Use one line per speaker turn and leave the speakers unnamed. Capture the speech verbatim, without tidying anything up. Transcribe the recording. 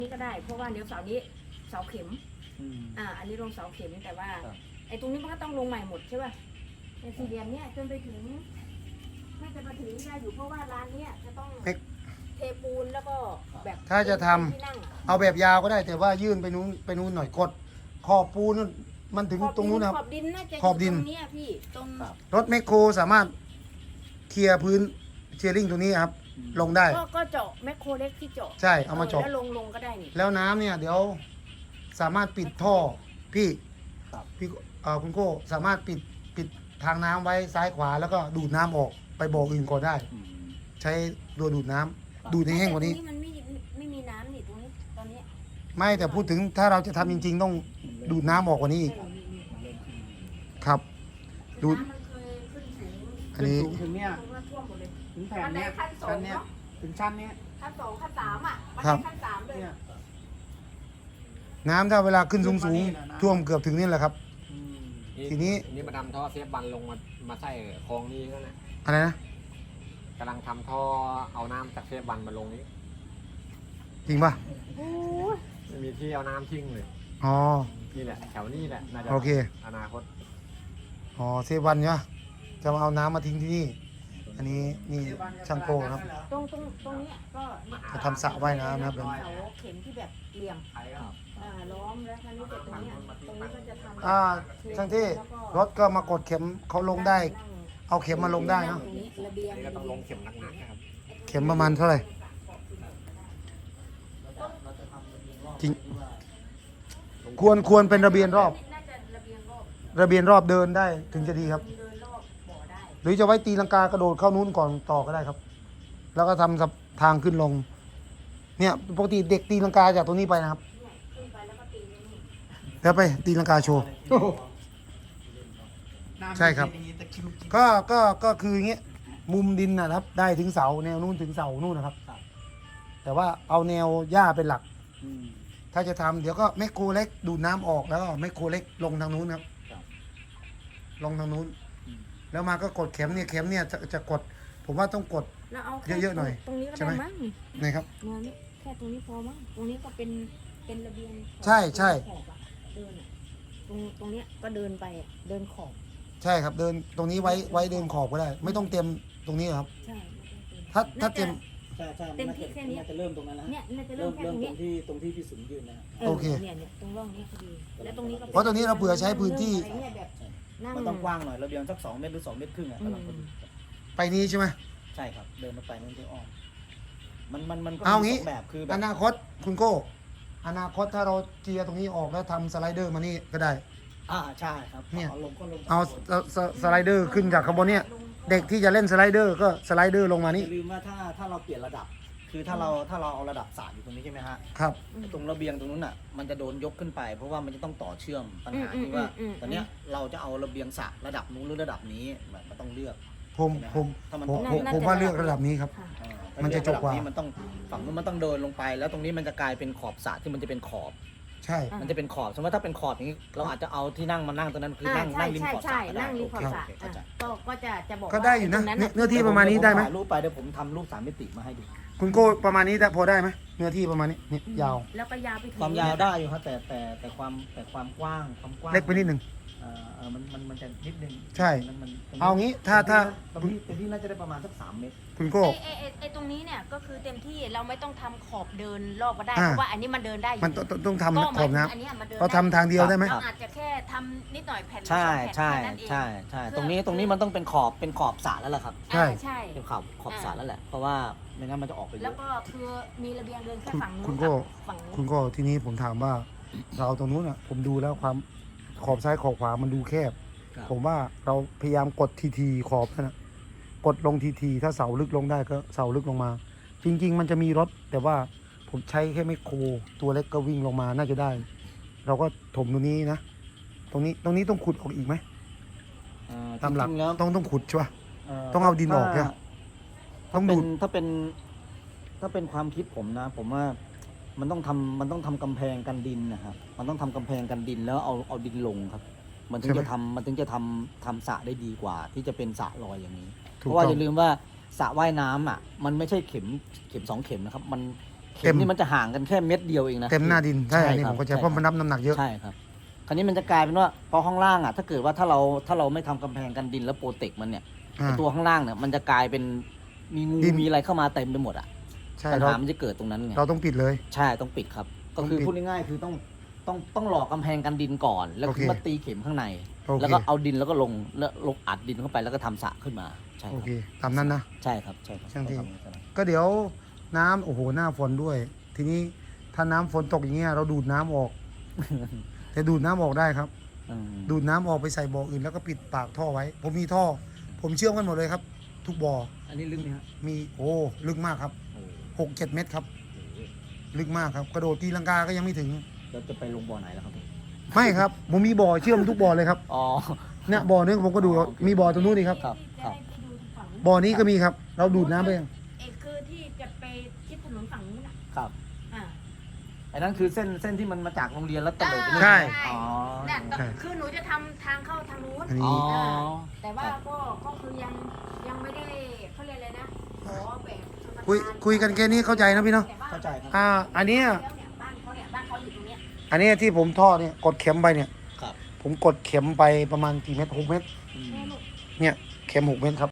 นี่ก็ได้เพราะว่าเดี๋ยวเสานี้เสาเข็มอ่าอันนี้ลงเสาเข็มแต่ว่าไอ้ตรงนี้มันก็ต้องลงใหม่หมดใช่ป่ะในสี่เหลี่ยมเนี้ยจนไปถึงน่าจะมาถึงนี่ได้อยู่เพราะว่าร้านเนี้ยจะต้องเทปูนแล้วก็แบบ
ถ้าจะทำเอาแบบยาวก็ได้แต่ว่ายื่นไปนู้นไปนู้นหน่อยกดขอบปูนมันถึงตรงนู้นครับ
ขอบดินน่าจะ
ขอบดิน
ตรงนี้พี่ตรง
รถแมคโครสามารถเคลียร์พื้นเชียร์ลิงตรงนี้ครับลงได้
ก็ก็เจาะแมคโครเล็กที่เจาะ
ใช่เอามาเจาะ
แล้วลงลงก็ได้นี่
แล้วน้ำเนี่ยเดี๋ยวสามารถปิดท่อพี่พี่เอ่อคุณโก้สามารถปิดปิดทางน้ำไว้ซ้ายขวาแล้วก็ดูดน้ำออกไปบ่ออื่นก่อนได้ ใช้ตัวดูดน้ำดูดให้แห้งกว่านี้
ตรงนี้มันไม่ไม่มีน้ำนี่ตรงนี้ตอนนี้
ไม่แต่พูดถึงถ้าเราจะทำจริง ๆ ต้องดูดน้ำออกกว่านี้อีกครับดูด
น้ำมันเคยขึ้นสูง
อันนี้
สูงถึงเนี่ย
ตรงนั้นท่วมหมดเลย
ถึงแผ่นเนี้ย
ขั้นสอง
ชั้นเนี้ย
เนาะ
ถึงชั้นเนี้ย
ขั้นสองขั้นสามอ่ะมัน
ครับ
ขั้นสามเลย
เนี่ย
น้ำถ้าเวลาขึ้นสูงๆท่วมเกือบถึงนี่แหละครับ
อืม
ทีนี้
นี่มาทำท่อเซฟบันลงมามาใส่คลองนี้ก็นะ
อะไรนะ
กำลังทำท่อเอาน้ำจากเซฟบันมาลงนี้
จริงป่ะ
โอ้ย
ไม่มีที่เอาน้ำทิ้งเลย
อ๋อ
นี่แหละแถวนี้แหละน่าจะ
โอเค
อนาคต
อ๋อเซวันเนี่ยจะมาเอาน้ำมาทิ้งที่นี่ อันนี้นี่ช่างโก้ครับ
ตรงตรงตรงเนี้ยก็เนี่ย
จะทำสระว่ายน้ำนะครับ
เสาเข็มที่แบบเหลี่ยม
ครับ
อ่าล้อมแล้วคราวนี้แต่ตรงเนี้ยตรงนี้ก็จะทำ
อ่าช่างที่รถก็มากดเข็มเขาลงได้ เอาเข็มมาลงได้เนาะ
ตรงนี้ระเบียง
นี่ก็ต้องลงเข็มหนักๆนะครับ
เข็มประมาณเท่าไหร่จริงควรควรเป็นระเบียงรอบ
น่าจะระเบียงรอบ
ระเบียงรอบเดินได้ถึงจะดีครับ
เดินรอบบ่อได้
หรือจะไว้ตีลังกากระโดดเข้านู้นก่อนต่อก็ได้ครับ แล้วก็ทำทางขึ้นลง เนี่ยปกติเด็กตีลังกาจากตรงนี้ไปนะครับ
เนี่ยขึ้นไปแล้วก็ตีนี่นี่
แล้วไปตีลังกาโชว์
น้ำ
ใช่ครับ
เป็นอย่างนี้ตะคริวกิน
ก็ก็ก็คืออย่างเงี้ยมุมดินนะครับ ได้ถึงเสาแนวนู้นถึงเสานู่นนะครับ แต่ว่าเอาแนวหญ้าเป็นหลัก
อืม
ถ้าจะทำเดี๋ยวก็แมคโครเล็กดูดน้ำออกแล้วก็แมคโครเล็กลงทางนู้นครับ
ครับ
ลงทางนู้น
อืม
แล้วมาก็กดเข็มเนี่ยเข็มเนี่ยจะจะกด ผมว่าต้องกด
แล้วเอาแค่
เยอะๆหน่อย
ตรงนี้ก็
ใช่ไหม
ได้มั้งนี่
นะครับ
แนวนี้แค่ตรงนี้พอมั้งตรงนี้ก็เป็นเป็นระเบียงขอบ
ใช่ใช่
ขอบอะเดินอะตรงตรงเนี้ยก็เดินไปอะเดินขอบ
ใช่ครับเดินตรงนี้ไว้ไว้เดินขอบก็ได้ ไม่ต้องเต็มตรงนี้ครับ
ใช่ไม่ต้องเดิน
ถ้าถ้าเต็ม
ใช่ใช่
เต็ม
มัน
ที่
น่าจะ
แค่นี้
น่าจะเริ่มตรงนั้นนะ
เนี่ยน่าจะ
เริ่
เริ่
ม
มแค่
เริ่
ตรงนี้
มตรงที่ตรงที่พี่สุนยืนนะฮะ
เออ
โอเค
เนี่ยเนี่ยตรงร่องนี้พอดีแล้วตรงนี้ก็
เพราะตรงนี้เราเผื่อใช้พื้นที่
อะไรเนี่ยแบบนั่ง
มันต้องกว้างหน่อยระเบียงสักสองเมตรหรือสองเมตรครึ่งอ่ะ
อืม
กำลังพอดี
ไปนี้ใช่ไหม
ใช่ครับเดินมาไปนั่นที่อ้อมมันมันมันก็
เอา
มี
งี้
สองแบบคือแบ
อบ นาคตคุณโก้อนาคตถ้าเราเจียร์ตรงนี้ออกแล้วทำสไลเดอร์มานี่ก็ได้
อ่าใช่ครับ
เนี่ย
อาลงก็ลง
เอาสสสไลเดอร์ขึ้นจากข้างบนเนี่ยเด็กที่จะเล่นสไลเดอร์ก็สไลเดอร์ลงมา
อ
นี่
ย่าลืมว่าถ้าถ้าเราเปลี่ยนระดับ คือถ้าเราถ้าเราเอาระดับสระอยู่ตรงนี้ใช่ไหมฮะ
ครับ
ไอ้ตรงระเบียงตรงนู้นอ่ะมันจะโดนยกขึ้นไป เพราะว่ามันจะต้องต่อเชื่อมปัญหา
อืม
ที่ว่า
อืมอืม
ตอนเนี้ยเราจะเอาระเบียงสระระดับนู้นหรือระดับนี้มันมันต้องเลือก
ผมผม
ถ้ามัน
ผม
ต้อง
ผม
น่าจะ
ผมว่า
ระดับ
เลือกระดับนี้ครับ
ค่ะ
อ่า
มันจะจบกว่า
ระดันี้มันต้องฝั่งนู้นมันต้องเดินลงไป แล้วตรงนี้มันจะกลายเป็นขอบสระที่มันจะเป็นขอบ
ใช่
อ่ะ
มันจะเป็นขอบสมมติว่าถ้าเป็นขอบอย่างนี้เราอาจจะเอาที่นั่งมานั่งตรงนั้นคือ
อ่า
นั่ง
ใช่
นั่งริม
ใช่
ขอบส
ใช่
ระก็ได้
นั่งริมขอบสระ
โเคเข้าใจ
อ่ะก็ก็จะจะบอก
ก็ได้อยู่นะ
ว่า
เนื้อ
ตรง
เนื้อที่ประมาณนี้ได้ไหม
ถ่ายรูปไปเดี๋ยวผมทำรูปสามมิติมาให้ดู
คุณโก้ประมาณนี้ได้พอได้ไหมเนื้อที่ประมาณนี้นี่ยาว
แล้วก็ยาวไปถึง
ความยาวได้อยู่ครับแต่แต่แต่ความแต่ความกว้างความกว้าง
เล็กไปนิดหนึ่ง
เอ่อเออมันมันมันจะนิดนึง
ใช่
มันมันตรงนี้
เอางี้ถ้าถ้า
ตรงนี้ตรงนี้น่าจะได้ประมาณสักสามเมตร
คุณโก้
ไอ้ไอ้ไอ้ไอ้ตรงนี้เนี่ยก็คือเต็มที่เราไม่ต้องทำขอบเดินรอบก็ได้
อ่า
เพราะว่าอันนี้มันเดินได้อยู่
มันต้องต้องต้องทำ
ก็
ขอบน้
อันเนี้ยมันเดิน
ำเราทำทางเดียวได้ไหม
เราอาจจะแค่ทำนิดหน่อยแผ่นหรือ
ใช่
สองแผ่น
ใช่
แค่นั้นเอง
ใช่ใช่
เพื่อ
ตรงนี้ตรงนี้มันต้องเป็นขอบเป็นขอบสระแล้วล่ะครับ
ใช่
อ่าใช่
เป็นขอบขอบสระแล้วแหละเพราะว่าไม่งั้นมันจะออกไปเย
แล้ว
อะ
ก็คือมีระเบียงเดินแค่
คุณ
ฝั่งนู้น
คุณโก้
กับฝั่งนู้น
คุณโก้ทีนี้ผมถามว่าเราตรงนู้นอ่ะ ผมดูแล้วความขอบซ้ายขอบขวามันดูแคบ
ครับ
ผมว่าเราพยายามกดทีทีขอบนั่นนะกดลงทีทีถ้าเสาลึกลงได้ก็เสาลึกลงมา จริง ๆ มันจะมีรถ แต่ว่าผมใช้แค่ไมโครตัวเล็กก็วิ่งลงมาน่าจะได้ เราก็ถมตรงนี้นะ ตรงนี้ตรงนี้ต้องขุดออกอีกไหม
เอ่อ
ตามหลัก
จริงๆแล้ว
ต้องต้องขุดใช่ปะ ต้องเอาดินออกใช่ไหม
ถ้า
ต้องดูด
ถ้าเป็นถ้าเป็นความคิดผมนะ ผมว่ามันต้องทำมันต้องทำกำแพงกันดินนะครับมันต้องทำกำแพงกันดินแล้วเอาเอาดินลงครับ มันถึงจะทำมันถึงจะทำทำสระได้ดีกว่า ที่จะเป็นสระลอยอย่างนี้ เพ
ถูก
ราะว่า
ต้อ
อง ย่าลืมว่าสระว่ายน้ำอ่ะ มันไม่ใช่เข็มเข็มสองเข็มนะครับ มันเข็มนี่มันจะห่างกันแค่เม็ดเดียวเองนะ
เต็มหน้าดินใช่อันนี้
ค
ผ
รับ
มเข้าใจ
ใช่
เพราะมันรับน้ำหนักเยอะ
ใช่ครับคราวนี้มันจะกลายเป็นว่าพอข้างล่างอ่ะถ้าเกิดว่าถ้าเราถ้าเราไม่ทำกำแพงกันดินแล้วโปรเทคมันเนี่ย
อ่า
ไอ้ตัวข้างล่างเนี่ยมันจะกลายเป็นมีงู
ดิน
มีอะไรเข้ามาเต็มไปหมดอ่ะ
ใช่
ปัญ
เรา
หามันจะเกิดตรงนั้นไง
เราต้องปิดเลย
ใช่ต้องปิดครับ ก็คือ
ต้องปิด
พูดง่ายๆคือต้องต้องต้องหลอกกำแพงกันดินก่อน แล้ว
โอเค
ขึ้นมาตีเข็มข้างใน
โอเค
แล้วก็เอาดินแล้วก็ลงแล้วลงอัดดินเข้าไปแล้วก็ทำสระขึ้นมาใช่ค
โอ
รับ
เคตามนั้นนะ
ใช่ครับใช่ครับ
ช่างที่
ต้องทำอย่างนั้น
ก็เดี๋ยวน้ำโอ้โหหน้าฝนด้วย ทีนี้ถ้าน้ำฝนตกอย่างเงี้ยเราดูดน้ำออก แต่ดูดน้ำออกได้ครับ
อืม
ดูดน้ำออกไปใส่บ่ออื่นแล้วก็ปิดปากท่อไว้ ผมมีท่อ ผมเชื่อมกันหมดเลยครับ ทุกบ่อ
อันนี้ลึกไหมครับ
มีโอ้ลึกมากครับ
โอ้
หกเจ็ดเมตรครับ ลึกมากครับ กระโดดตีลังกาก็ยังไม่ถึง
แล้วจะไปลงบ่อไหนแล้วครับ
ไม่ครับ ผมมีบ่อเชื่อมทุกบ่อเลยครับ
อ๋อ
เนี่ยบ่อนึงผมก็ดู
อ๋อโอเค
มีบ่อตรงนู้นนี่ครับ
ครับครับ
จะได้ไปดูฝั่งนู้น
บ่อนี้ก็มีครับ เราดูดน้ำไป
เอกคือที่จะไปชิดถนนฝั่งนู้นอ่ะ
ครับ
อ่า
ไอ้นั่นคือเส้นเส้นที่มันมาจากโรงเรียนแล้วตะเลิดไปนู่น
ใช่
อ๋อ
เนี่ย
ใช่
คือหนูจะทำทางเข้าทางนู้น
อัน
อ๋
นี้
อ
แต่ว่าก็ก็คือยังยังไม่ได้เขาเรียกอะไรนะขอแบบชลประทาน
คุยคุยกันแค่นี้เข้าใจนะพี่เนาะ
แต่ว่
เข้าใจครับ
อ่า อันเนี้ย
แล้วเนี่ยบ้านเขาเนี่ยบ้านเขาอยู่ตรงเนี้ย
อันเนี้ยที่ผมท่อเนี่ยกดเข็มไปเนี่ย
ครับ
ผมกดเข็มไปประมาณกี่เมตรหกเมตร
อืม
แม่ลูก
เนี่ยเข็มหกเมตรครับ